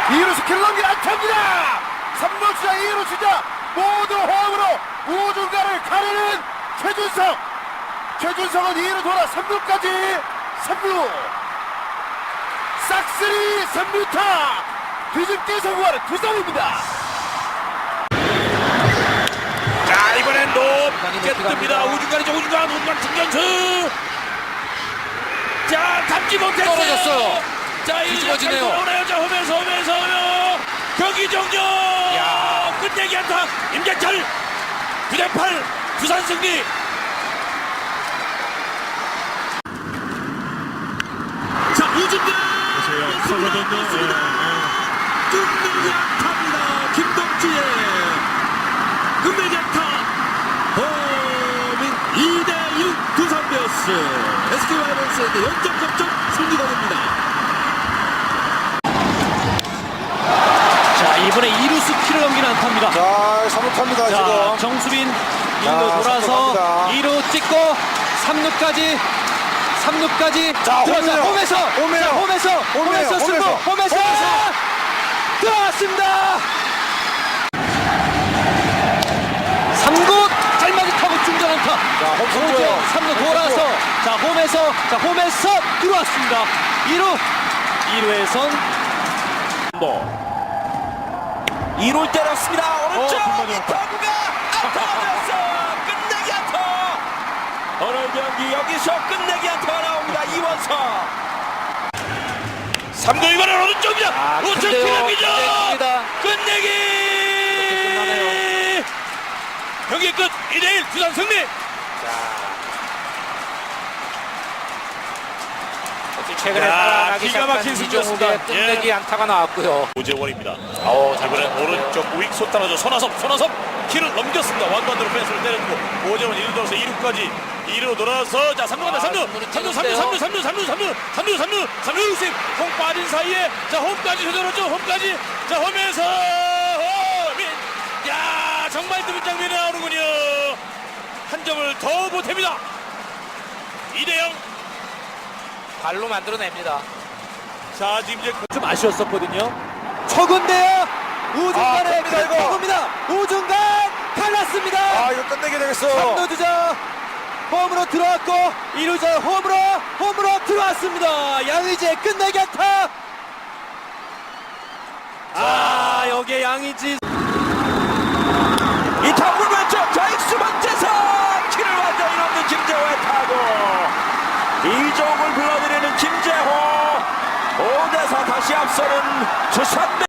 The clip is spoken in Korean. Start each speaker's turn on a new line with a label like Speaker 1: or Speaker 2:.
Speaker 1: 2루 스킬을 넘긴 안타입니다. 3루 주자 2루 주자 모두 호흡으로 우중간을 가르는 최준성은 2루 돌아 3루까지 3루 싹쓸이 3루타 뒤집기 성공하는 두성입니다.
Speaker 2: 자, 이번엔 높게 뜹니다. 우중간 중견수. 자, 잡지 못했어요.
Speaker 1: 떨어졌어요.
Speaker 2: 자,
Speaker 1: 뒤집어지네요.
Speaker 2: 오나요? 자, 홈에서 경기 종료. 끝내기 안타. 임재철 9대8 부산 승리. 자, 우중간
Speaker 3: 커거든요.
Speaker 2: 끝내기 안타입니다. 김동주의 끝내기 안타. 홈인 2대6 두산 베어스. SK 와이번스에게 0.3점 승리가 됩니다.
Speaker 4: 자, 이번에 2루수 키를 넘기는 안타입니다.
Speaker 1: 자 3루타입니다.
Speaker 4: 자,
Speaker 1: 지금
Speaker 4: 정수빈 1루 돌아서 2루 찍고 3루까지
Speaker 1: 자,
Speaker 4: 들어서
Speaker 1: 홈이에요.
Speaker 4: 홈에서 승부 홈에서 들어왔습니다. 3구 짤막이 타고 중전 안타.
Speaker 1: 자, 홈
Speaker 4: 3루 돌아서 홈에서 들어왔습니다. 2루에선
Speaker 2: 2루 때렸습니다. 오른쪽
Speaker 4: 빈발이요.
Speaker 2: 이타구가 안타였어. 끝내기 안타. 오늘 경기 여기서 끝내기 안타가 나옵니다. 이원석 3루 이번엔 오른쪽이다. 우측 피랍니다. 끝내기. 경기 끝 2대1 두산 승리.
Speaker 5: 최근에
Speaker 2: 기가 막힌 승부였습니다.
Speaker 5: 끝내기 안타가 나왔고요.
Speaker 2: 오재원입니다. 이번엔 오른쪽 우익수 따라줘 손아섭 키를 넘겼습니다. 완반대로 펜스를 때렸고 오재원 1루 돌아서 2루까지 2루 돌아서 자 3루 간다. 3루 세 공 빠진 사이에 자 홈까지 조절하죠. 홈까지 자 홈에서 홈인 야 정말 드문 장면이 나오는군요. 한 점을 더 보탭니다. 2대0.
Speaker 5: 발로 만들어냅니다.
Speaker 2: 자 지금 이제
Speaker 4: 좀 아쉬웠었거든요. 초군데요. 우중간에
Speaker 1: 큽니다, 이거.
Speaker 4: 초구입니다. 우중간 갈랐습니다.
Speaker 1: 아 이거 끝내게 되겠어.
Speaker 4: 3루 주자 홈으로 들어왔고 2루자 홈으로 들어왔습니다. 양의지의 끝내기 안타. 여기에 양의지
Speaker 2: 이 타구를 왼쪽 좌익수 번째서 키를 완전히 넘는 김재호의 타구. 이종을 불러들이는 김재호 5대4 다시 앞서는 두산